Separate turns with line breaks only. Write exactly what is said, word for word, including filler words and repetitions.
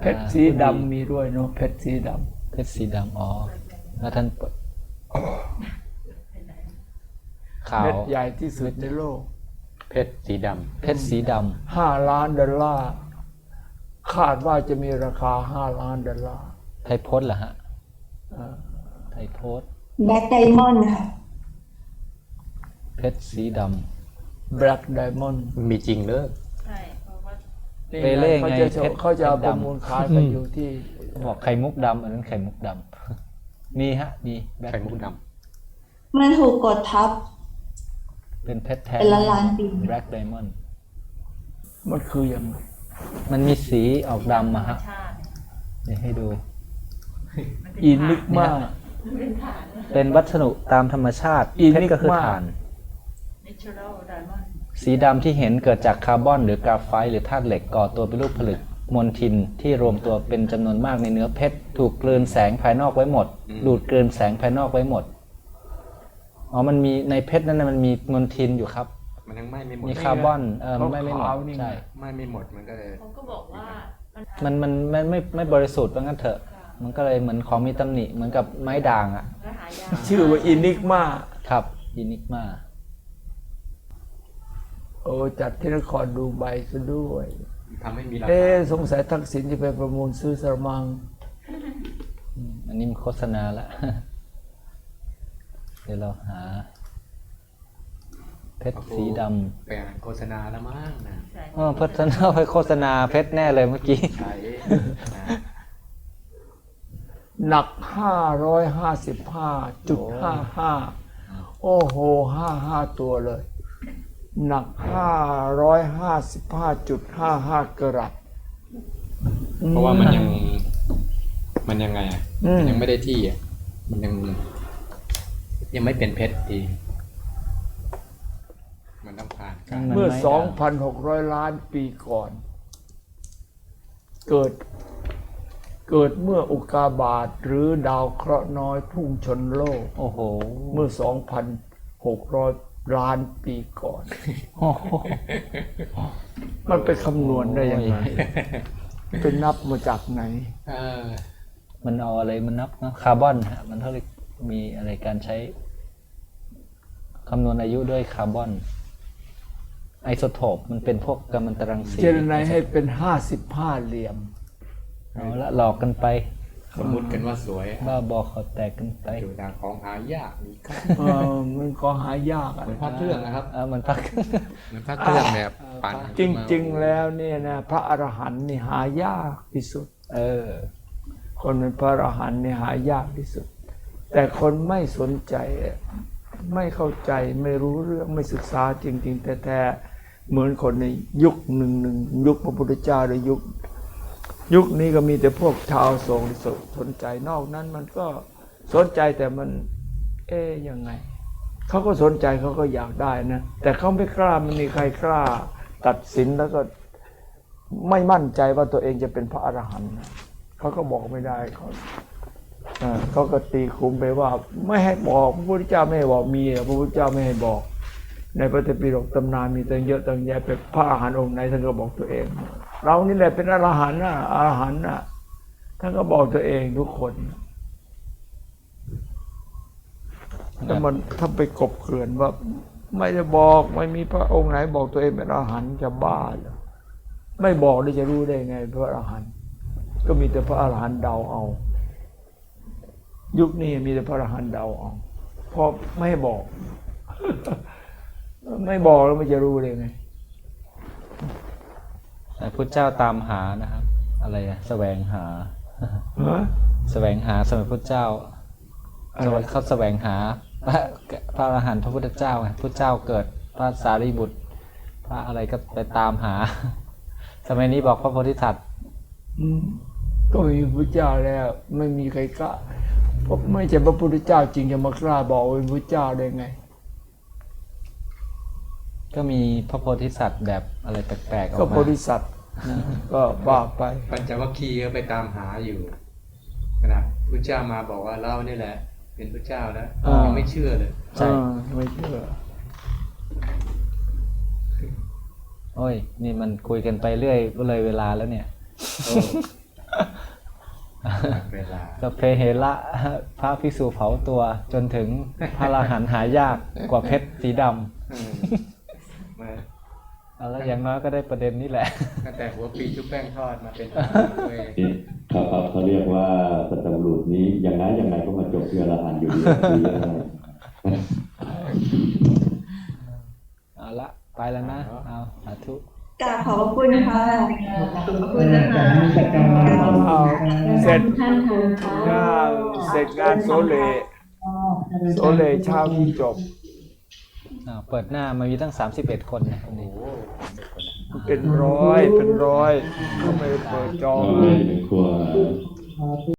เพชรสีดำมีด้วยเนาะเพชรสีดำ
เพชรสีดำอ๋อแล้วท่านขาว
เพชรใหญ่ที่สุดในโลก
เพชรสีดำ
เพชรสีดำ
ห้าล้านดอลลาร์คาดว่าจะมีราคาห้าล้านดอลลาร์
ไทยโพสต์เหรอฮะไทยโพสต์
แบล็กไดมอนด์ค่ะ
เพชรสีดำ
Black Diamond
มีจริงเลย
ใช่เพราะว่า
เปเล่ไง
เพชรเขาจะเอาประมูลขายกันอยู่ที่
บอกไข่มุกดำอันนั้นไข่มุกดำมีฮะมี
ไข่มุกด
ำมันถูกกดทับ
เป็นเพชรแท้
เป็นล้านล้านปี
Black Diamond
มันคือยังไง
มันมีสีออกดำมาฮะเดี๋ยวให้ดู
อินิกมา
เป็นวัสดุตามธรรมชาติเพชรก็คือถ่านสีดำที่เห็นเกิดจากคาร์บอนหรือกราไฟต์หรือธาตุเหล็กก่อตัวเป็นรูปผลึกมลทินที่รวมตัวเป็นจำนวนมากในเนื้อเพชรถูกกลืนแสงภายนอกไว้หมดดูดกลืนแสงภายนอกไว้หมดอ๋อมันมีในเพชรนั้นมันมีมลทินอยู่ครับ
มันยังไม่ไม่หมด
มีคาร์บอนเออไม่ไม่หมดใช่
ไม่ไม่หมดมันก็เลย
เขาก็บอกว่า
มันมันไม่ไม่ไม่บริสุทธิ์ว่างั้นเถอะมันก็เลยเหมือนของมีตำหนิเหมือนกับไม้ด่างอ่ะ
ชื่อว่าอินิกมา
ครับอินิกมา
โอ้จัดที่นครดูไบซะด้วย
ทำให้มีราคา
เอ๊สงสัยทักษิณจะไปประมูลซื้อสรมัง
อันนี้มันโฆษณาละเดี๋ยวเราหาเพชรสีด
ำไปอ่านโฆษณาแล้วมั้งนะ
อ๋อโฆษณาไปโฆษณาเพชรแน่เลยเมื่อกี้
ใช่
หนักห้าร้อยห้าสิบห้าจุดห้าห้าโอ้โหห้าห้าตัวเลยหนักห้าร้อยห้าสิบห้าจุดห้าห้ากรัต
เพราะว่ามันยังมันยังไงอ่ะมันยังไม่ได้ที่อ่ะมันยังยังไม่เป็นเพชรดีมันต้องผ่านการ
เมื่อ สองพันหกร้อย ล้านปีก่อนเกิดเกิดเมื่ออุกกาบาตหรือดาวเคราะห์น้อยพุ่งชนโลก
โอ้โห
เมื่อ สองพันหกร้อย ล้านปีก่อนมันไปคำนวณได้ยังไงเป็นนับมาจากไหน
มันเอาอะไรมันนับนะคาร์บอนฮะมันเท่าไหร่มีอะไรการใช้คำนวณอายุด้วยคาร์บอนไอโซโทปมันเป็นพวกกัมมันตรังสี
เจรไนให้เป็นห้าสิบห้าเหลี่ยม
เอาละหลอกกันไป
สมมติกันว่าสวย
บ้าบอขอแตกกันไป
อยู่ดังของหายากมีค่า
เออมันก็หายาก
เหมือนพระเครื่องนะครับ
เออมันพระ
เหมือนพระเครื่องแบบปั่น
จริงๆแล้วเนี่ยนะพระอรหันต์นี่หายากที่สุด
เออ
คนเป็นพระอรหันต์นี่หายากที่สุดแต่คนไม่สนใจไม่เข้าใจไม่รู้เรื่องไม่ศึกษาจริงๆแท้ๆเหมือนคนในยุคหนึ่งหนึ่งยุคพระพุทธเจ้าหรือยุคยุคนี้ก็มีแต่พวกชาวโศกสนใจนอกนั้นมันก็สนใจแต่มันเอ๊ยยังไงเขาก็สนใจเขาก็อยากได้นะแต่เขาไม่กล้ามันมีใครกล้าตัดสินแล้วก็ไม่มั่นใจว่าตัวเองจะเป็นพระอรหันต์เขาก็บอกไม่ได้เขาเขาก็ตีคุมไปว่าไม่ให้บอกพระพุทธเจ้าไม่ให้บอกมีพระพุทธเจ้าไม่ให้บอกในพระไตรปิฎกตำนานมีตั้งเยอะตั้งแยะเป็นพระอรหันต์องค์ไหนท่านก็บอกตัวเองเรานี่แหละเป็นอรหันต์นะอรหันต์นะท่านก็บอกตัวเองทุกคนแต่มันถ้าไปกบเกลื่อนว่าไม่ได้บอกไม่มีพระองค์ไหนบอกตัวเองเป็นอรหันต์จะบ้าเหรอไม่บอกได้จะรู้ได้ไงพระอรหันต์ก็มีแต่พระอรหันต์เดาเอายุคนี้มีแต่พระอรหันต์เดาเอาเพราะไม่บอกไม่บอกแล้วมันจะรู้ได้ไง
แต่พุทธเจ้าตามหานะครับอะไรอะแสวงหาแสวงหาสมัยพุทธเจ้าเขาแสวงหาพระพระอรหันต์พระพุทธเจ้าไงพุทธเจ้าเกิดพระสารีบุตรพระอะไรก็ไปตามหาสมัยนี้บอกพระโพธิสัตว์
ก็มีพระเจ้าแล้วไม่มีใครกล้าเพราะไม่ใช่พระพุทธเจ้าจริงจะมากล้าบอกเป็นพระเจ้าได้ไง
ก็มีพระโพธิสัตว์แบบอะไรแปลกๆออกมา
ก็โพธิสัตว์ก็ว่าไป
ปัญจวัคคีย์ก็ไปตามหาอยู่ขณะพระเจ้ามาบอกว่าเรานี่แหละเป็นพระเจ้าแล้วยังไม่เชื่อเลย
ใช่ไม่เชื่อ
โอ้ยนี่มันคุยกันไปเรื่อยก็เลยเวลาแล้วเนี่ย
เวลา
สัพเพเหระพระภิกษุเผาตัวจนถึงพระอรหันต์หายากกว่าเพชรสีด
อืมมา
ำเอาแล้วอย่างน้อยก็ได้ประเด็นนี้แหละ
ตั้งแต่หัวปีชุบแป้งทอดมาเป็นเว้ย
นี่เขาเขาเขาเรียกว่าสัตบุรุษนี้ยังไงยังไงก็มาจบที่อรหันต์อยู่ดีดียังไง
เอาละไปแล้วนะเอาสาธุ
กราบขอบพระคุณค่ะขอบคุณนะคะ
เอาเสร็จ
ท่านค่ะ
งานเสร็จงานโซเลโซเลเช้านี้จบ
อ่าเปิดหน้ามามีตั้งสามสิบเอ็ดคนนะวันนี้
เป็นร้อยเป็นร้อยเขาไม่ได้เปิดจอง
ก็เลยเป็นครัว